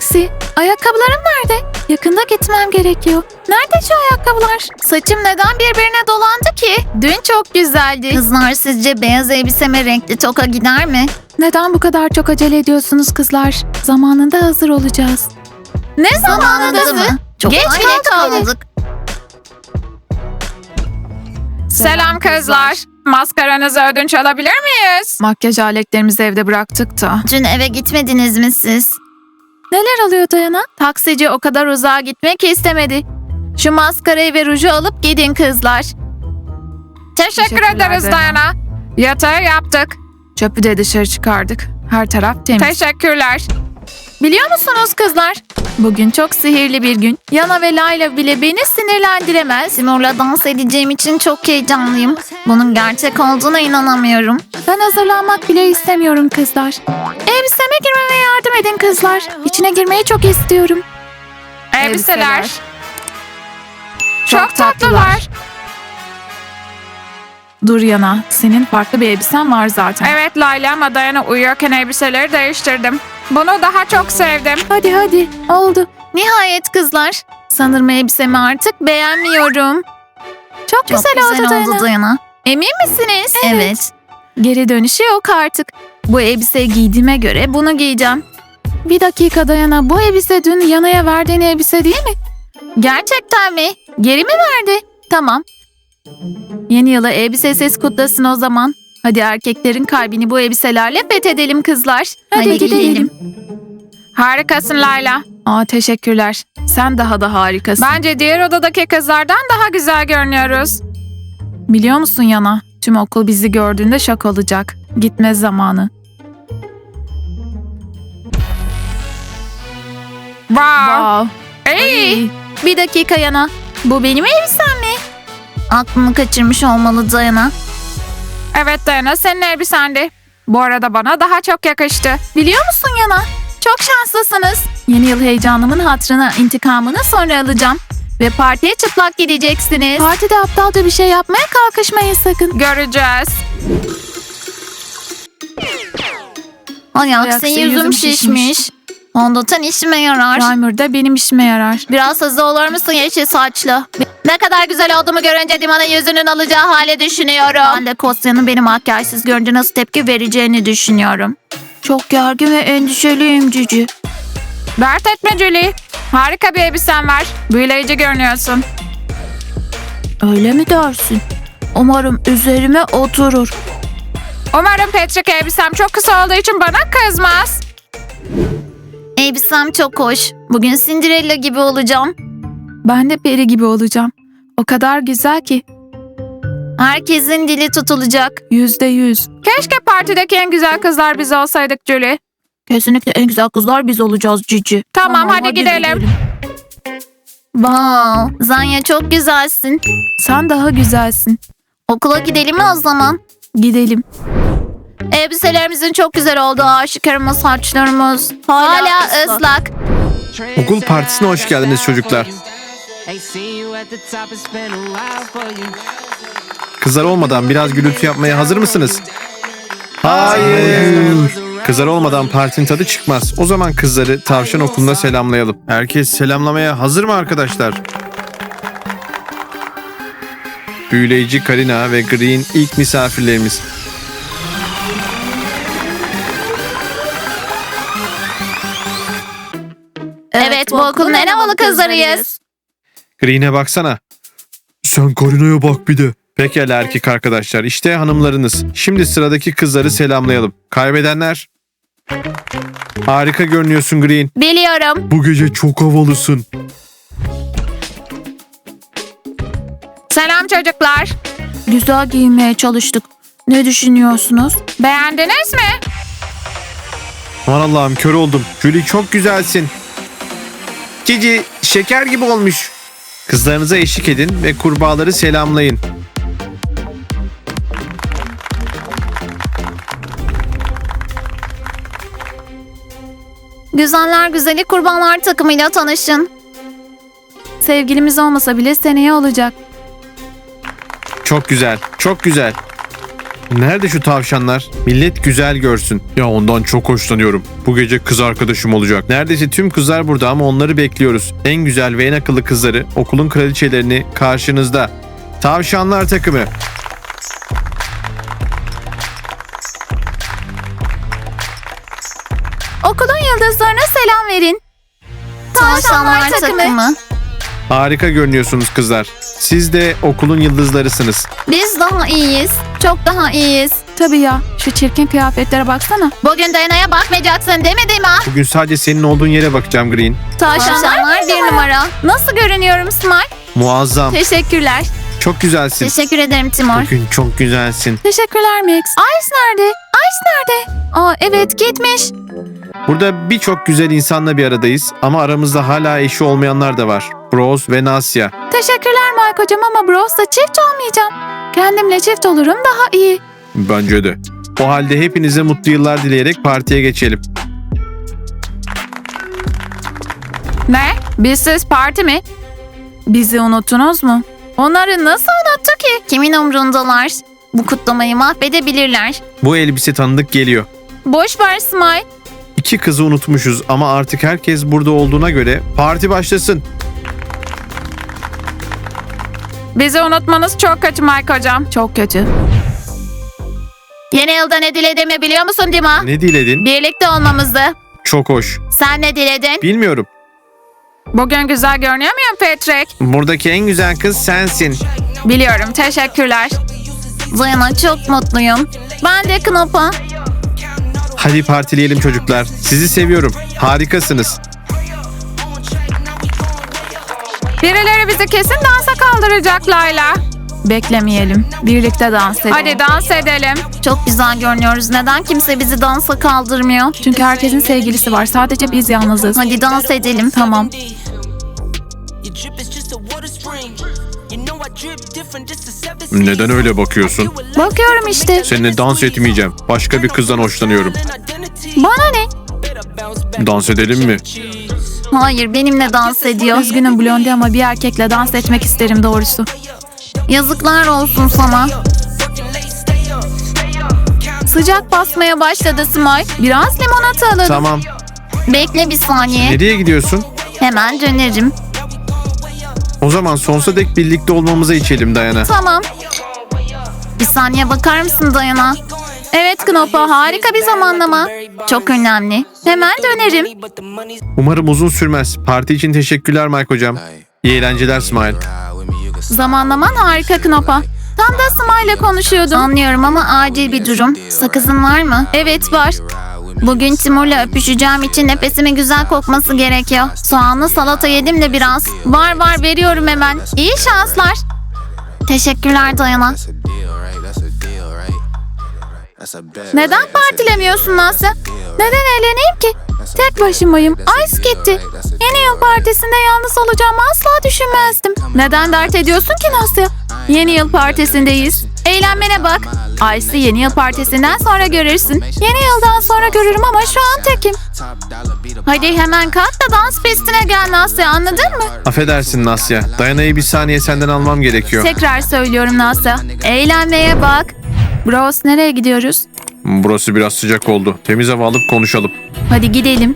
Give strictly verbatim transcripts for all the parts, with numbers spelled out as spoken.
Taksi, ayakkabılarım nerede? Yakında gitmem gerekiyor. Nerede şu ayakkabılar? Saçım neden birbirine dolandı ki? Dün çok güzeldi. Kızlar sizce beyaz elbiseme renkli toka gider mi? Neden bu kadar çok acele ediyorsunuz kızlar? Zamanında hazır olacağız. Ne zamanında Zamanında mı? mı? Çok Geç geç kaldık kaldık. Selam kızlar. Maskaranızı ödünç alabilir miyiz? Makyaj aletlerimizi evde bıraktık da. Dün eve gitmediniz mi siz? Neler oluyor Dayana? Taksici o kadar uzağa gitmek istemedi. Şu maskarayı ve ruju alıp gidin kızlar. Teşekkür Teşekkürler ederiz Dayana. Dayana. Yatağı yaptık. Çöpü de dışarı çıkardık. Her taraf temiz. Teşekkürler. Biliyor musunuz kızlar? Bugün çok sihirli bir gün. Yana ve Layla bile beni sinirlendiremez. Timur'la dans edeceğim için çok heyecanlıyım. Bunun gerçek olduğuna inanamıyorum. Ben hazırlanmak bile istemiyorum kızlar. Elbiseme girmeme yardım edin kızlar. İçine girmeyi çok istiyorum. Elbiseler. Elbiseler. Çok, Çok tatlılar. tatlılar. Dur Yana, senin farklı bir elbisen var zaten. Evet Layla ama Dayana uyuyorken elbiseleri değiştirdim. Bunu daha çok sevdim. Hadi hadi, oldu. Nihayet kızlar. Sanırım elbisemi artık beğenmiyorum. Çok, Çok güzel, güzel, oldu Dayana. oldu Dayana. Emin misiniz? Evet. Geri dönüşü yok artık. Bu elbiseyi giydiğime göre bunu giyeceğim. Bir dakika Dayana, bu elbise dün Yana'ya verdiğin elbise değil mi? Gerçekten mi? Geri mi verdi? Tamam. Yeni yılı elbisesiz kutlasın o zaman. Hadi erkeklerin kalbini bu elbiselerle fethedelim kızlar. Hadi, Hadi gidelim. gidelim. Harikasın Layla. Aa, teşekkürler. Sen daha da harikasın. Bence diğer odadaki kızlardan daha güzel görünüyoruz. Biliyor musun Yana? Tüm okul bizi gördüğünde şok olacak. Gitme zamanı. Wow. Wow. İyi. Ay. Bir dakika Yana. Bu benim elbisem mi? Aklını kaçırmış olmalı Dayana. Evet Dayana senin elbisendi. Bu arada bana daha çok yakıştı. Biliyor musun Yana? Çok şanslısınız. Yeni yıl heyecanımın hatırına intikamını sonra alacağım. Ve partiye çıplak gideceksiniz. Partide aptalca bir şey yapmaya kalkışmayın sakın. Göreceğiz. Ay Ay, aksi aksi yüzüm yüzüm şişmiş. şişmiş. Fondöten işime yarar. Primer da benim işime yarar. Biraz hızlı olur musun yeşil saçlı? Ne kadar güzel olduğumu görünce Dima'nın yüzünün alacağı hale düşünüyorum. Ben de Kostya'nın beni makyajsız görünce nasıl tepki vereceğini düşünüyorum. Çok gergin ve endişeliyim Cici. Dert etme Julie. Harika bir elbisen var. Büyüleyici görünüyorsun. Öyle mi dersin? Umarım üzerime oturur. Umarım Patrick elbisem çok kısa olduğu için bana kızmaz. Elbisem çok hoş. Bugün Cinderella gibi olacağım. Ben de peri gibi olacağım. O kadar güzel ki. Herkesin dili tutulacak. Yüzde yüz. Keşke partideki en güzel kızlar biz olsaydık Julie. Kesinlikle en güzel kızlar biz olacağız Cici. Tamam, hadi, gidelim. Wow, Zanya çok güzelsin. Sen daha güzelsin. Okula gidelim mi o zaman? Gidelim. Elbiselerimizin çok güzel olduğu aşikar ama saçlarımız hala, Hala ıslak. ıslak. Okul partisine hoş geldiniz çocuklar. Kızlar olmadan biraz gürültü yapmaya hazır mısınız? Hayır. Kızlar olmadan partinin tadı çıkmaz. O zaman kızları tavşan okuluna selamlayalım. Herkes selamlamaya hazır mı arkadaşlar? Büyüleyici Karina ve Green ilk misafirlerimiz. Evet, bu okulun en havalı kızlarıyız. Green'e baksana. Sen Karina'ya bak bir de. Pekala erkek arkadaşlar. İşte hanımlarınız. Şimdi sıradaki kızları selamlayalım. Kaybedenler. Harika görünüyorsun Green. Biliyorum. Bu gece çok havalısın. Selam çocuklar. Güzel giyinmeye çalıştık. Ne düşünüyorsunuz? Beğendiniz mi? Aman Allah'ım kör oldum. Julie çok güzelsin. Cici şeker gibi olmuş. Kızlarınıza eşlik edin ve kurbağaları selamlayın. Güzeller güzeli kurbanlar takımıyla tanışın. Sevgilimiz olmasa bile seneye olacak. Çok güzel, çok güzel. Nerede şu tavşanlar? Millet güzel görsün. Ya ondan çok hoşlanıyorum. Bu gece kız arkadaşım olacak. Neredeyse tüm kızlar burada ama onları bekliyoruz. En güzel ve en akıllı kızları, okulun kraliçelerini karşınızda. Tavşanlar takımı. Okulun yıldızlarına selam verin. Tavşanlar takımı. Harika görünüyorsunuz kızlar. Siz de okulun yıldızlarısınız. Biz daha iyiyiz. Çok daha iyiyiz. Tabii ya, şu çirkin kıyafetlere baksana. Bugün Dayana'ya bakmayacaksın değil mi Dima? Bugün sadece senin olduğun yere bakacağım Green. Tavşanlar bir numara. Nasıl görünüyorum Smile? Muazzam. Teşekkürler. Çok güzelsin. Teşekkür ederim Timur. Bugün çok güzelsin. Teşekkürler Max. Ice nerede? Ice nerede? Aa evet gitmiş. Burada birçok güzel insanla bir aradayız ama aramızda hala eşi olmayanlar da var. Bros ve Nasya. Teşekkürler Mike hocam ama Bros'la çift olmayacağım. Kendimle çift olurum daha iyi. Bence de. O halde hepinize mutlu yıllar dileyerek partiye geçelim. Ne? Bizsiz parti mi? Bizi unuttunuz mu? Onları nasıl unuttu ki? Kimin umrundalar? Bu kutlamayı mahvedebilirler. Bu elbise tanıdık geliyor. Boş ver Smile. İki kızı unutmuşuz ama artık herkes burada olduğuna göre parti başlasın. Bizi unutmanız çok kötü Mike hocam. Çok kötü. Yeni yılda ne dilediğimi biliyor musun Dima? Ne diledin? Birlikte olmamızı. Çok hoş. Sen ne diledin? Bilmiyorum. Bugün güzel görünüyor muyum Patrick? Buradaki en güzel kız sensin. Biliyorum, teşekkürler. Dayana çok mutluyum. Ben de Knop'a. Hadi partileyelim çocuklar. Sizi seviyorum. Harikasınız. Birileri bizi kesin dansa kaldıracak Layla. Beklemeyelim. Birlikte dans edelim. Hadi dans edelim. Çok güzel görünüyoruz. Neden kimse bizi dansa kaldırmıyor? Çünkü herkesin sevgilisi var. Sadece biz yalnızız. Hadi dans edelim. Tamam. Neden öyle bakıyorsun? Bakıyorum işte. Seninle dans etmeyeceğim. Başka bir kızdan hoşlanıyorum. Bana ne? Dans edelim mi? Hayır, benimle dans ediyor. Üzgünüm Blondie ama bir erkekle dans etmek isterim doğrusu. Yazıklar olsun sana. Sıcak basmaya başladı Smile. Biraz limonata alalım. Tamam. Bekle bir saniye. Nereye gidiyorsun? Hemen dönerim. O zaman sonsuza dek birlikte olmamıza içelim Dayana. Tamam. Bir saniye bakar mısın Dayana? Evet Knop'a harika bir zamanlama. Çok önemli. Hemen dönerim. Umarım uzun sürmez. Parti için teşekkürler Mike hocam. İyi eğlenceler Smile. Zamanlaman harika Knop'a. Tam da Smile'le konuşuyordum. Anlıyorum ama acil bir durum. Sakızın var mı? Evet var. Bugün Timur'la öpüşeceğim için nefesimin güzel kokması gerekiyor. Soğanlı salata yedim de biraz. Var var veriyorum hemen. İyi şanslar. Teşekkürler Dayana. Neden partilemiyorsun Nasya? Neden eğleneyim ki? Tek başımayım. Ice gitti. Yeni yıl partisinde yalnız olacağımı asla düşünmezdim. Neden dert ediyorsun ki Nasya? Yeni yıl partisindeyiz. Eğlenmene bak. Ice'ı yeni yıl partisinden sonra görürsün. Yeni yıldan sonra görürüm ama şu an tekim. Hadi hemen kalk da dans pistine gel Nasya, anladın mı? Affedersin Nasya. Dayana'yı bir saniye senden almam gerekiyor. Tekrar söylüyorum Nasya. Eğlenmeye bak. Bros nereye gidiyoruz? Burası biraz sıcak oldu. Temiz hava alıp konuşalım. Hadi gidelim.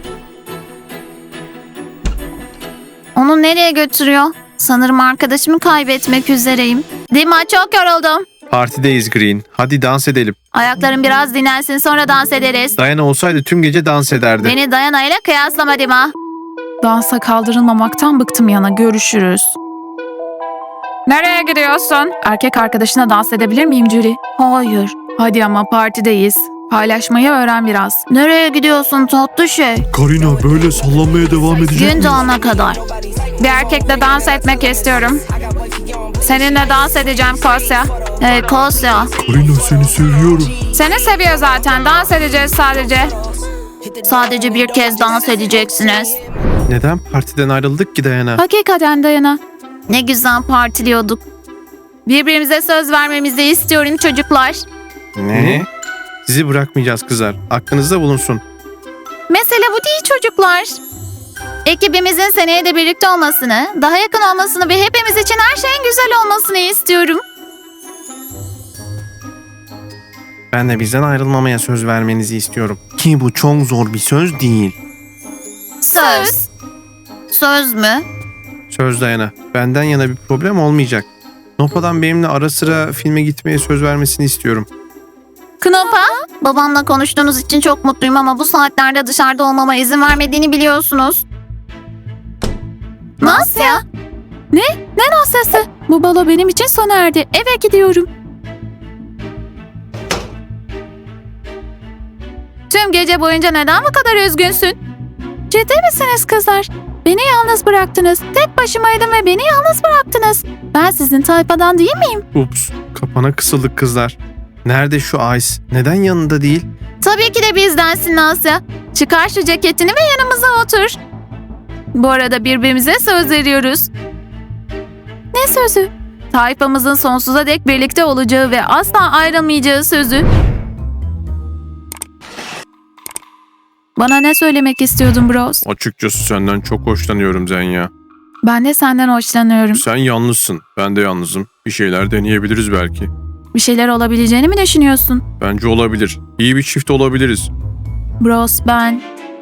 Onu nereye götürüyor? Sanırım arkadaşımı kaybetmek üzereyim. Dima, çok yoruldum. Partideyiz Green. Hadi dans edelim. Ayaklarım biraz dinlensin, sonra dans ederiz. Dayana olsaydı tüm gece dans ederdi. Beni Dayana ile kıyaslama Dima. Dansa kaldırılmamaktan bıktım yana. Görüşürüz. Nereye gidiyorsun? Erkek arkadaşına dans edebilir miyim Julie? Hayır. Hadi ama partideyiz. Paylaşmayı öğren biraz. Nereye gidiyorsun tatlı şey? Karina böyle sallanmaya devam edecek Gün doğana kadar. Bir erkekle dans etmek istiyorum. Seninle dans edeceğim Kosya. Hey Kosya. Karina seni seviyorum. Seni seviyor zaten. Dans edeceğiz sadece. Sadece bir kez dans edeceksiniz. Neden partiden ayrıldık ki Dayana? Hakikaten Dayana. Ne güzel partiliyorduk. Birbirimize söz vermemizi istiyorum çocuklar. Ne? Sizi bırakmayacağız kızlar. Aklınızda bulunsun. Mesele bu değil çocuklar. Ekibimizin seneye de birlikte olmasını, daha yakın olmasını ve hepimiz için her şeyin güzel olmasını istiyorum. Ben de bizden ayrılmamaya söz vermenizi istiyorum. Ki bu çok zor bir söz değil. Söz. Söz mü? Söz Dayana. Benden yana bir problem olmayacak. Nopa'dan benimle ara sıra filme gitmeye söz vermesini istiyorum. Knopa? Babamla konuştuğunuz için çok mutluyum ama bu saatlerde dışarıda olmama izin vermediğini biliyorsunuz. Nasya? Ne Nasya'sı? Bu balo benim için sona erdi. Eve gidiyorum. Tüm gece boyunca neden bu kadar üzgünsün? Ciddi misiniz kızlar? Beni yalnız bıraktınız. Tek başımaydım ve beni yalnız bıraktınız. Ben sizin tayfadan değil miyim? Ups, kapana kısıldık kızlar. Nerede şu Ice? Neden yanında değil? Tabii ki de bizdensin Nasya. Çıkar şu ceketini ve yanımıza otur. Bu arada birbirimize söz veriyoruz. Ne sözü? Tayfamızın sonsuza dek birlikte olacağı ve asla ayrılmayacağı sözü. Bana ne söylemek istiyordun Bros? Açıkçası senden çok hoşlanıyorum Zenya. Ben de senden hoşlanıyorum. Sen yalnızsın, ben de yalnızım. Bir şeyler deneyebiliriz belki. Bir şeyler olabileceğini mi düşünüyorsun? Bence olabilir. İyi bir çift olabiliriz. Bros ben...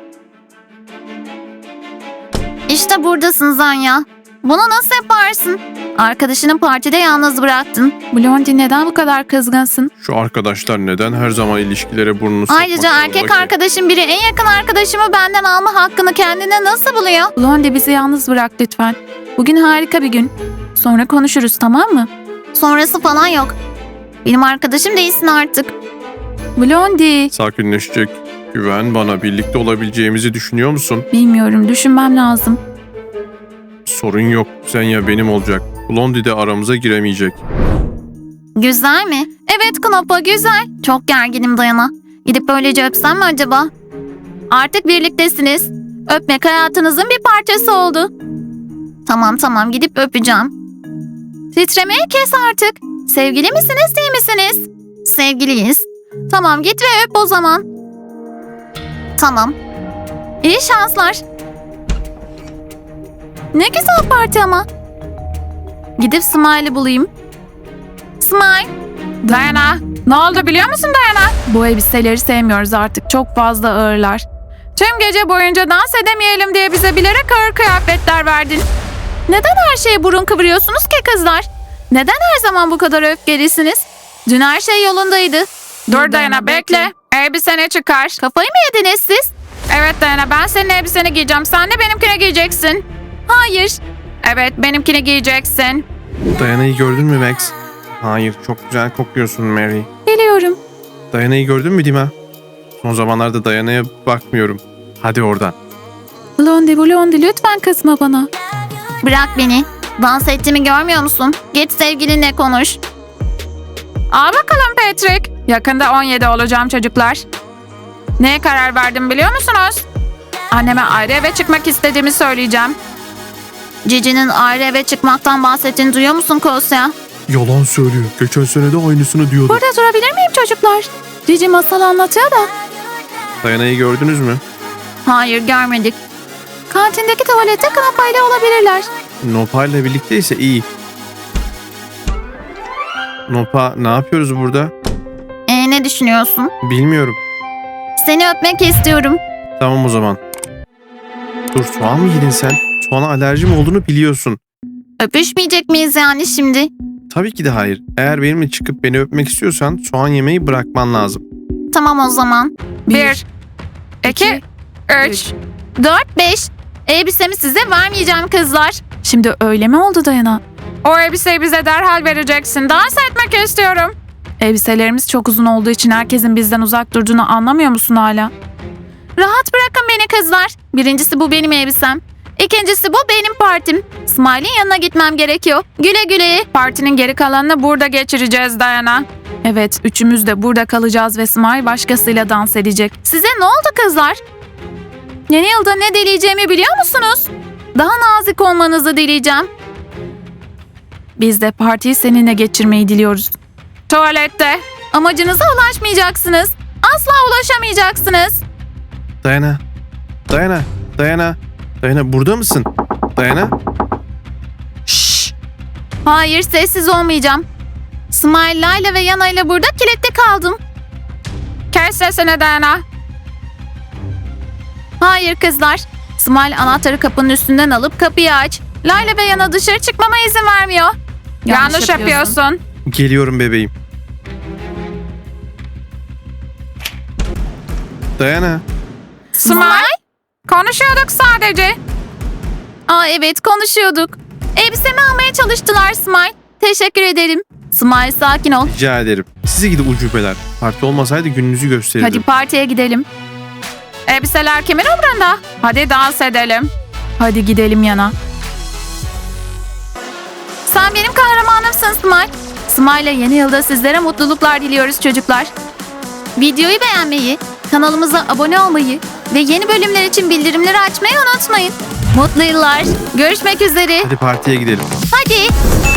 İşte buradasın Zanya. Bunu nasıl yaparsın? Arkadaşını partide yalnız bıraktın. Blondie neden bu kadar kızgınsın? Şu arkadaşlar neden her zaman ilişkilere burnunu sokmak Ayrıca zorunda erkek ki? arkadaşım biri en yakın arkadaşımı benden alma hakkını kendine nasıl buluyor? Blondie bizi yalnız bırak lütfen. Bugün harika bir gün. Sonra konuşuruz tamam mı? Sonrası falan yok. Benim arkadaşım değilsin artık. Blondie. Sakinleşecek. Güven bana, birlikte olabileceğimizi düşünüyor musun? Bilmiyorum düşünmem lazım. Sorun yok. Zenya benim olacak. Blondie de aramıza giremeyecek. Güzel mi? Evet Knopa güzel. Çok gerginim Dayana. Gidip böylece öpsem mi acaba? Artık birliktesiniz. Öpmek hayatınızın bir parçası oldu. Tamam tamam gidip öpeceğim. Titremeyi kes artık. Sevgili misiniz değil misiniz? Sevgiliyiz. Tamam git ve öp o zaman. Tamam. İyi şanslar. Ne güzel parti ama. Gidip Smile'ı bulayım. Smile. Dayana, ne oldu biliyor musun Dayana? Bu elbiseleri sevmiyoruz artık. Çok fazla ağırlar. Tüm gece boyunca dans edemeyelim diye bize bilerek ağır kıyafetler verdin. Neden her şeye burun kıvırıyorsunuz ki kızlar? Neden her zaman bu kadar öfkelisiniz? Dün her şey yolundaydı. Dur Dayana bekle. Elbiseni çıkar. Kafayı mı yediniz siz? Evet Dayana, ben senin elbiseni giyeceğim. Sen de benimkini giyeceksin. Hayır. Evet, benimkini giyeceksin. Dayana'yı gördün mü Max? Hayır, çok güzel kokuyorsun Mary. Biliyorum. Dayana'yı gördün mü Dima? Son zamanlarda Dayana'ya bakmıyorum. Hadi oradan. Blondie Blondie lütfen kızma bana. Bırak beni. Dans ettiğimi görmüyor musun? Git sevgilinle konuş. Al bakalım Patrick. Yakında on yedi olacağım çocuklar. Neye karar verdim biliyor musunuz? Anneme ayrı eve çıkmak istediğimi söyleyeceğim. Cici'nin ayrı eve çıkmaktan bahsettiğini duyuyor musun Kosya? Yalan söylüyor. Geçen sene de aynısını diyordu. Burada durabilir miyim çocuklar? Cici masal anlatıyor da. Dayana'yı gördünüz mü? Hayır görmedik. Kantindeki tuvalette kanapayla olabilirler. Nopa ile birlikteyse iyi. Nopa, ne yapıyoruz burada? Ee, ne düşünüyorsun? Bilmiyorum. Seni öpmek istiyorum. Tamam o zaman. Dur, soğan mı yedin sen? Soğana alerjim olduğunu biliyorsun. Öpüşmeyecek miyiz yani şimdi? Tabii ki de hayır. Eğer benimle çıkıp beni öpmek istiyorsan soğan yemeyi bırakman lazım. Tamam o zaman. Bir, iki, üç. Dört, beş. Elbisemi size vermeyeceğim kızlar. Şimdi öyle mi oldu Dayana? O elbiseyi bize derhal vereceksin. Dans etmek istiyorum. Elbiselerimiz çok uzun olduğu için herkesin bizden uzak durduğunu anlamıyor musun hala? Rahat bırakın beni kızlar. Birincisi bu benim elbisem. İkincisi bu benim partim. Smile'in yanına gitmem gerekiyor. Güle güle. Partinin geri kalanını burada geçireceğiz Dayana. Evet, üçümüz de burada kalacağız ve Smile başkasıyla dans edecek. Size ne oldu kızlar? Yeni yılda ne dileyeceğimi biliyor musunuz? Daha nazik olmanızı dileyeceğim. Biz de partiyi seninle geçirmeyi diliyoruz. Tuvalette. Amacınıza ulaşmayacaksınız. Asla ulaşamayacaksınız. Dayana. Dayana. Dayana. Dayana, burada mısın? Dayana. Şşş. Hayır sessiz olmayacağım. Smile, Layla ve Yana ile burada kilitli kaldım. Kes sesini Dayana. Hayır kızlar. Smile anahtarı kapının üstünden alıp kapıyı aç. Layla ve Yana dışarı çıkmama izin vermiyor. Yanlış, yapıyorsun. Geliyorum bebeğim. Dayana. Smile. Konuşuyorduk sadece. Aa evet konuşuyorduk. Elbisemi almaya çalıştılar Smile. Teşekkür ederim. Smile sakin ol. Rica ederim. Size gidi ucubeler. Parti olmasaydı gününüzü gösterirdim. Hadi partiye gidelim. Elbiseler kimin umrunda? Hadi dans edelim. Hadi gidelim Yana. Sen benim kahramanımsın Smile. Smile'la yeni yılda sizlere mutluluklar diliyoruz çocuklar. Videoyu beğenmeyi, kanalımıza abone olmayı ve yeni bölümler için bildirimleri açmayı unutmayın. Mutlu yıllar. Görüşmek üzere. Hadi partiye gidelim. Hadi.